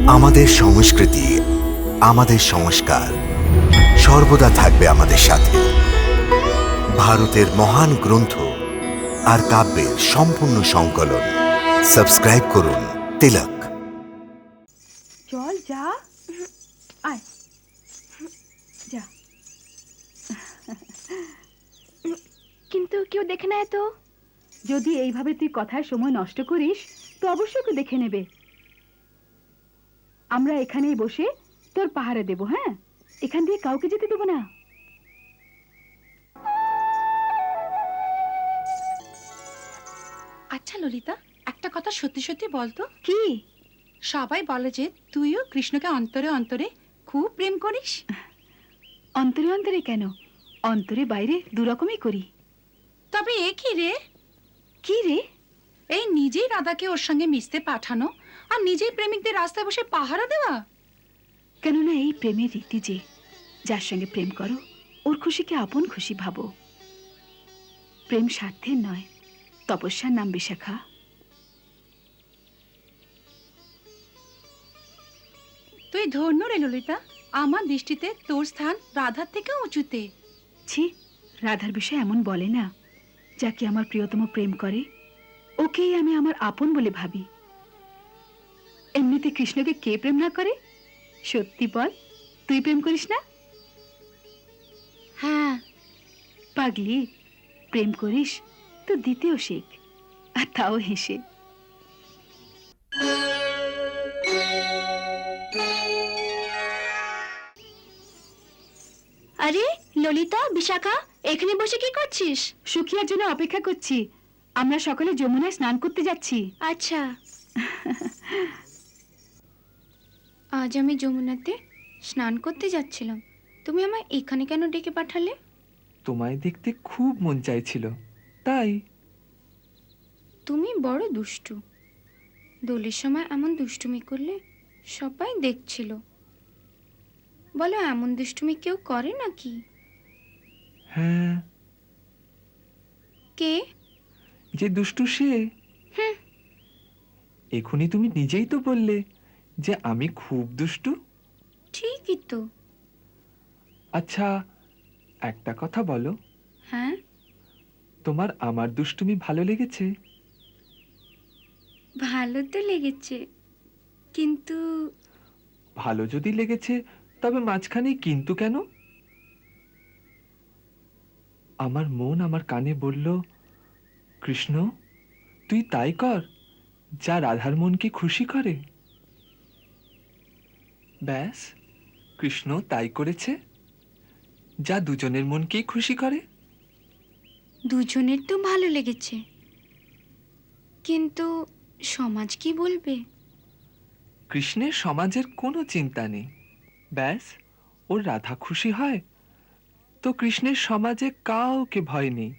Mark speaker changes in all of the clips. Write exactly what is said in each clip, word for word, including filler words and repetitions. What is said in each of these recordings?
Speaker 1: আমাদের সংস্কৃতি, আমাদের সংস্কার সর্বদা থাকবে আমাদের সাথে। ভারতের মহান গ্রন্থ আর কাব্যের সম্পূর্ণ সংকলন। সাবস্ক্রাইব করুন তিলক।
Speaker 2: চল যা, আয় যা। কিন্তু কেউ দেখে নেয় তো? যদি এইভাবে তুই কথায় সময় নষ্ট করিস তো অবশ্যই কেউ দেখে নেবে। আমরা এখানেই বসে তোর পাহারা দেব। হ্যাঁ, এখান দিয়ে কাউকে যেতে দেবো না।
Speaker 3: আচ্ছা ললিতা, একটা কথা সত্যি সত্যি বলতো।
Speaker 2: কি?
Speaker 3: সবাই বলে যে তুইও কৃষ্ণকে অন্তরে অন্তরে খুব প্রেম করিস।
Speaker 2: অন্তরে অন্তরে কেন, অন্তরে বাইরে দুরকমই করি।
Speaker 3: তবে এ কি রে?
Speaker 2: কি রে?
Speaker 3: এই নিজেই রাধাকে ওর সঙ্গে মিশতে পাঠানো আর নিজেই প্রেমিকদের রাস্তায় বসে পাহারা দেওয়া।
Speaker 2: কেননা এই প্রেমের রীতি যে যার সঙ্গে প্রেম করো ওর খুশিকে আপন খুশি ভাবো। প্রেম স্বার্থের নয়, তপস্যার নাম বিশাখা।
Speaker 3: তুই ধন্য রে ললিতা, আমার দৃষ্টিতে তোর স্থান রাধার থেকে উঁচুতে।
Speaker 2: ছি, রাধার বিষয়ে এমন বলে না। যাকে আমার প্রিয়তম প্রেম করে ওকেই আমি আমার আপন বলে ভাবি। এমনিতে কৃষ্ণকে কে প্রেম না করে? সত্যি বল, তুই প্রেম করিস না?
Speaker 3: হ্যাঁ।
Speaker 2: পাগলি, প্রেম করিস তো দ্বিতীয় শেখ, আর তাও হেসে।
Speaker 4: আরে ললিতা, বিশাখা, এখানে বসে কি করছিস?
Speaker 2: সুখিয়ার জন্য অপেক্ষা করছি। আমরা সকলে যমুনায় স্নান করতে যাচ্ছি।
Speaker 4: আচ্ছা। আজ আমি যমুনাতে স্নান করতে যাচ্ছিলাম, তুমি আমায় এখানে কেন ডেকে পাঠালে?
Speaker 5: তোমায় দেখতে খুব মন চাইছিল তাই।
Speaker 4: তুমি বড় দুষ্টু। দোলের সময় এমন দুষ্টুমি করলে সবাই দেখছিল। বলো, এমন দুষ্টুমি কেউ করে নাকি?
Speaker 5: হ্যাঁ,
Speaker 4: কে?
Speaker 5: যে দুষ্টু সে।
Speaker 4: হুঁ।
Speaker 5: এখনই তুমি নিজেই তো বললে যে আমি খুব দুষ্টু।
Speaker 4: ঠিকই তো।
Speaker 5: আচ্ছা, একটা কথা বলো,
Speaker 4: হ্যাঁ,
Speaker 5: তোমার আমার দুষ্টুমি ভালো লেগেছে?
Speaker 4: ভালো তো লেগেছে, কিন্তু
Speaker 5: ভালো যদি লেগেছে তবে মাঝখানে কিন্তু কেন? আমার মন আমার কানে বলল, কৃষ্ণ তুই তাই কর যা রাধার মনকে খুশি করে। ব্যাস, কৃষ্ণ তাই করেছে, যা দুজনের মনকেই খুশি করে।
Speaker 4: দুজনের তো ভালো লেগেছে, কিন্তু সমাজ কি বলবে?
Speaker 5: কৃষ্ণের সমাজের কোনো চিন্তা নেই। ব্যাস, ওর রাধা খুশি হয় তো কৃষ্ণের সমাজে কাউকে ভয় নেই।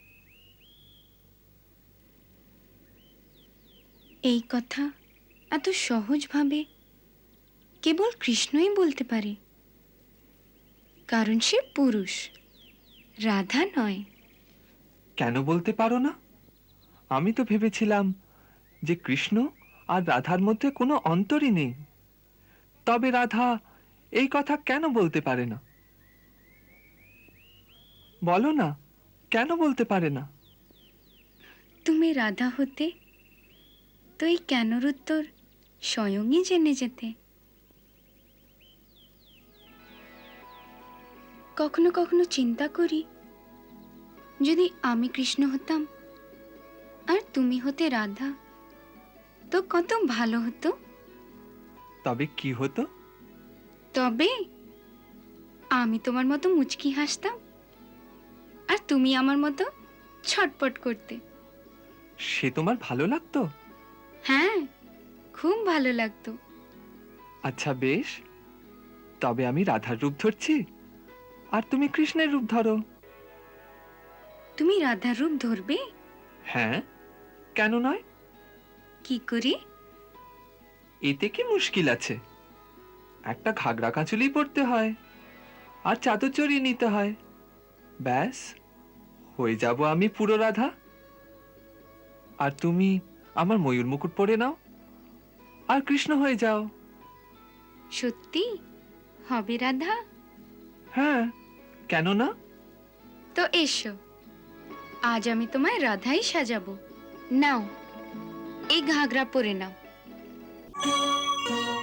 Speaker 4: এই কথা এত সহজভাবে কেবল কৃষ্ণই বলতে পারে, কারণ সে পুরুষ, রাধা নয়।
Speaker 5: কেন বলতে পারো না? আমি তো ভেবেছিলাম যে কৃষ্ণ আর রাধার মধ্যে কোনো অন্তরই নেই। তবে রাধা এই কথা কেন বলতে পারে না? বলো না, কেন বলতে পারে না?
Speaker 4: তুমি রাধা হতে তো এই কেনর উত্তর স্বয়ংই জেনে যেতে। কখনো কখনো চিন্তা করি, যদি আমি কৃষ্ণ হতাম আর তুমি হতে রাধা, তো কত ভালো হতো।
Speaker 5: তবে কি হতো?
Speaker 4: তবে আমি তোমার মতো মুচকি হাসতাম আর তুমি আমার মতো ছটপট করতে।
Speaker 5: সে তোমার ভালো লাগতো?
Speaker 4: হ্যাঁ, খুব ভালো লাগতো।
Speaker 5: আচ্ছা বেশ, তবে আমি রাধার রূপ ধরছি আর তুমি কৃষ্ণের রূপ ধরো।
Speaker 4: তুমি রাধার রূপ ধরবে?
Speaker 5: হ্যাঁ, কেন নয়?
Speaker 4: কি করে?
Speaker 5: এতে কি মুশকিল আছে? একটা ঘাগরা কাঁচুলি পরতে হয় আর চাদর চড়িয়ে নিতে হয়। ব্যাস, হয়ে যাব আমি পুরো রাধা। আর তুমি আমার ময়ূর মুকুট পরে নাও আর কৃষ্ণ হয়ে যাও।
Speaker 4: সত্যি হবে রাধা?
Speaker 5: হ্যাঁ, কেন না?
Speaker 4: তো এসো, আজ আমি তোমায় রাধাই সাজাবো। নাও, এই ঘাগরা পরে নাও।